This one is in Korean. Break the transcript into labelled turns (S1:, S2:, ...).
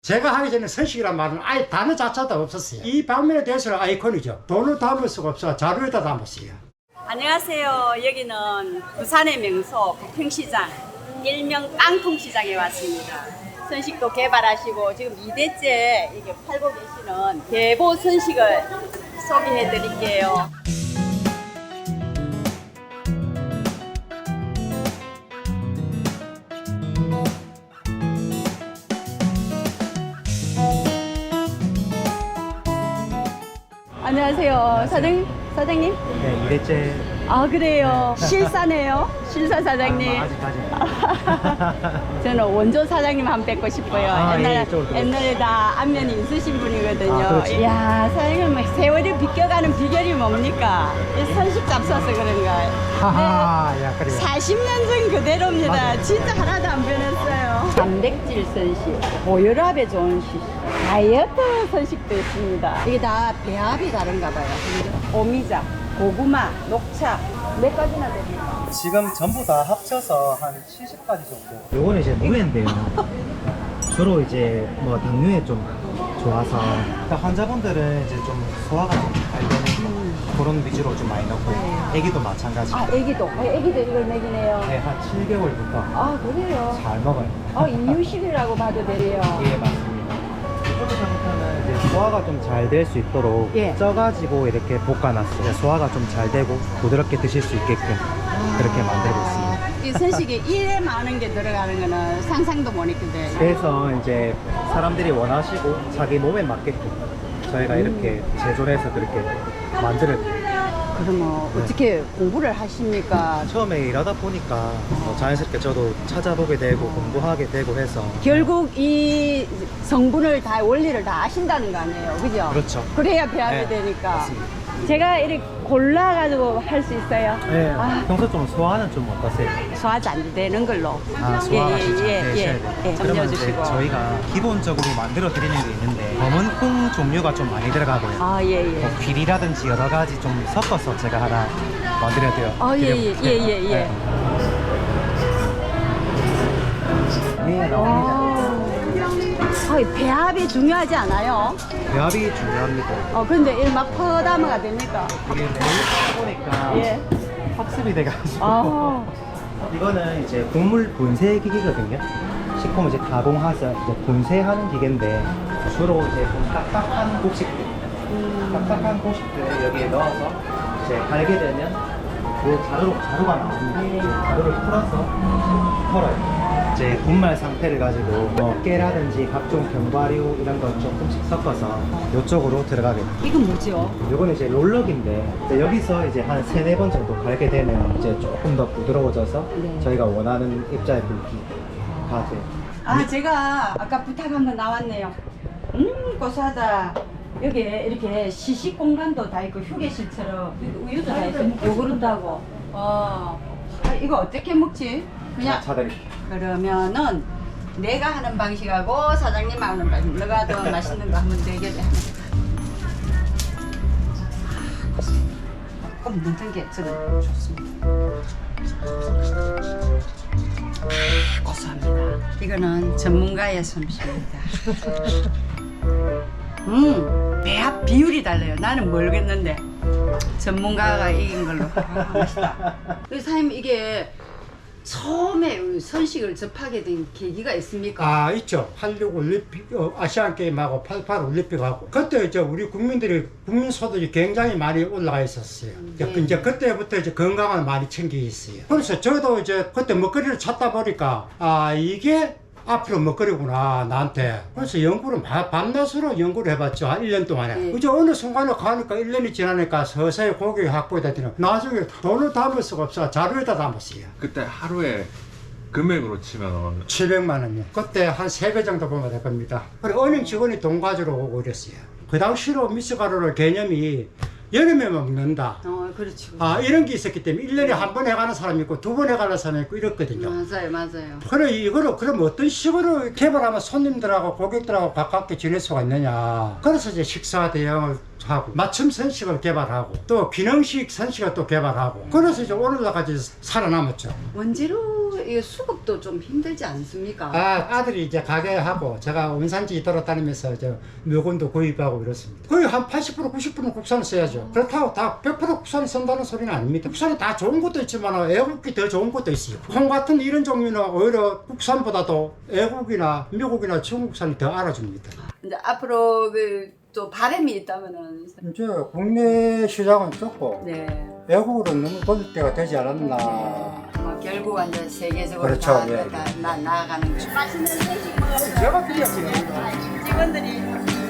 S1: 제가 하기 전에 선식이란 말은 아예 단어 자체도 없었어요. 이 방면에 대해서는 아이콘이죠. 돈을 담을 수가 없어 자료에다 담았어요.
S2: 안녕하세요. 여기는 부산의 명소 부평시장, 일명 깡통시장에 왔습니다. 선식도 개발하시고 지금 2대째 이게 팔고 계시는 계보 선식을 소개해 드릴게요. 안녕하세요. 사장님?
S3: 네, 2대째.
S2: 아, 그래요. 실사네요. 실사 사장님.
S3: 아직까지.
S2: 저는 원조 사장님 한번 뵙고 싶어요.
S3: 아, 예, 이쪽으로
S2: 옛날에 다 안면이 있으신 분이거든요.
S3: 아, 그렇죠.
S2: 이야, 사장님 뭐 세월이 비껴가는 비결이 뭡니까? 이 선식 잡숴서 그런가요?
S3: 하하, 야, 그래요.
S2: 40년 전 그대로입니다.
S3: 맞아요.
S2: 진짜 하나도 안 변했어요. 단백질 선식, 고혈압에 좋은 식, 다이어트 선식도 있습니다. 이게 다 배합이 다른가 봐요. 오미자, 고구마, 녹차, 몇 가지나 됩니까?
S3: 지금 전부 다 합쳐서 한 70가지 정도. 요거는 이제 무예인데요. 주로 이제 뭐 당뇨에 좀 좋아서 그러니까 환자분들은 이제 좀 소화가 좀 잘 되는 그런 위주로 좀 많이 넣고 애기도 마찬가지.
S2: 아, 애기도 이걸 먹이네요.
S3: 네, 한 7개월부터
S2: 아, 그래요?
S3: 잘 먹어요.
S2: 이유식이라고 봐도 되래요.
S3: 예, 맞습니다. 이거부터는 이제 소화가 좀 잘 될 수 있도록
S2: 예.
S3: 쪄가지고 이렇게 볶아놨어요. 소화가 좀 잘 되고 부드럽게 드실 수 있게끔 그렇게 만들고 있습니다.
S2: 이 선식에 이래 많은 게 들어가는 거는 상상도 못 했거든요.
S3: 그래서 이제 사람들이 원하시고 자기 몸에 맞게끔 저희가 이렇게 제조를 해서 그렇게 만들어요.
S2: 그러면 어떻게 공부를 하십니까?
S3: 처음에 일하다 보니까 뭐 자연스럽게 저도 찾아보게 되고 공부하게 되고 해서
S2: 결국 이 성분을 다 원리를 다 아신다는 거 아니에요, 그죠?
S3: 그렇죠.
S2: 그래야 배합이
S3: 네,
S2: 되니까.
S3: 맞습니다.
S2: 제가 이렇게 골라가지고 할 수 있어요.
S3: 네,
S2: 아.
S3: 평소 좀 소화는 좀 어떠세요?
S2: 소화지 안 되는 걸로.
S3: 아, 소화가 진짜
S2: 예.
S3: 되셔야 돼요.
S2: 좀
S3: 그러면 이제
S2: 넣어주시고.
S3: 저희가 기본적으로 만들어 드리는 게 있는데 검은 콩 종류가 좀 많이 들어가고요.
S2: 아, 예.
S3: 뭐 귀리라든지 여러 가지 좀 섞어서 제가 하나 만들어 드려.
S2: 예.
S3: 네, 나옵니다.
S2: 배합이 중요하지 않아요?
S3: 배합이 중요합니다.
S2: 근데 막 퍼담아가 됩니까?
S3: 이게 매일 보니까
S2: 예.
S3: 학습이 돼가지고
S2: 아.
S3: 이거는 이제 곡물 분쇄 기기거든요. 식품 이제 가공해서 이제 분쇄하는 기계인데 주로 이제 좀 딱딱한 곡식들, 딱딱한 곡식들을 여기에 넣어서 이제 갈게 되면 그 가루가 나옵니다. 그 가루를 풀어서 털어요. 이제 분말 상태를 가지고 뭐 깨라든지 각종 견과류 이런 거 조금씩 섞어서 이쪽으로 들어가게 돼요.
S2: 이건 뭐죠?
S3: 요거는 이제 롤럭인데 이제 여기서 이제 한 3-4번 정도 갈게 되면 이제 조금 더 부드러워져서
S2: 네.
S3: 저희가 원하는 입자의 굵기가 돼요.
S2: 제가 아까 부탁한 거 나왔네요. 고소하다. 여기 이렇게 시식 공간도 다 있고 휴게실처럼 우유도 다 있고 요구르트 하고. 이거 어떻게 먹지? 그냥
S3: 차드릴게요.
S2: 그러면은 내가 하는 방식하고 사장님 하는 방식. 너가 더 맛있는 거 하면 되겠네. 꼭 넣는 게 저는 좋습니다. 고소합니다. 이거는 전문가의 솜씨입니다. 배합 비율이 달라요. 나는 모르겠는데 전문가가 이긴 걸로. 맛있다. 사장님 이게 처음에 선식을 접하게 된 계기가 있습니까?
S1: 아, 있죠. 86 올림픽, 아시안 게임하고 88 올림픽하고 그때 이제 우리 국민들이 국민 소득이 굉장히 많이 올라가 있었어요. 이제 그때부터 이제 건강을 많이 챙기고 있어요. 그래서 저도 이제 그때 먹거리를 찾다 보니까 이게 앞으로 먹거리구나 나한테. 그래서 연구를 밤낮으로 연구를 해봤죠. 한 1년 동안에. 이제 어느 순간에 가니까 1년이 지나니까 서서히 고객이 확보가 되더니 나중에 돈을 담을 수가 없어 자료에다 담았어요.
S4: 그때 하루에 금액으로 치면
S1: 700만 원이요. 그때 한 3배 정도 보면 될 겁니다. 그리고 은행 직원이 돈 가지러 오고 이랬어요. 그 당시로 미숫가루를 개념이 여름에만 먹는다.
S2: 그렇죠.
S1: 이런 게 있었기 때문에 1년에 한 번 해가는 사람이 있고 2번 해가는 사람이 있고 이랬거든요.
S2: 맞아요.
S1: 그래 이거를 그럼 어떤 식으로 개발하면 손님들하고 고객들하고 가깝게 지낼 수가 있느냐. 그래서 이제 식사 대용을 하고 맞춤 선식을 개발하고 또 기능식 선식을 또 개발하고 그래서 이제 오늘날까지 살아남았죠.
S2: 원재료 이 수급도 좀 힘들지 않습니까?
S1: 아들이 이제 가게 하고 제가 원산지 돌아다니면서 저 물건도 구입하고 이렇습니다. 거의 한 80% 90%는 국산을 써야죠. 그렇다고 다 100% 국산을 쓴다는 소리는 아닙니다. 국산이 다 좋은 것도 있지만 애국이 더 좋은 것도 있어요. 콩 같은 이런 종류는 오히려 국산보다도 애국이나 미국이나 중국산이 더 알아줍니다.
S2: 이제 앞으로 또 바람이 있다면은
S1: 이제 국내 시장은 적고
S2: 네.
S1: 외국으로 너무 돌릴 때가 되지 않았나.
S2: 뭐 결국은 이제 세계적으로
S1: 그렇죠,
S2: 다,
S1: 예.
S2: 나아가는 거죠. 맛있는 음식 먹어요.
S1: 제가 드렸지.
S2: 직원들이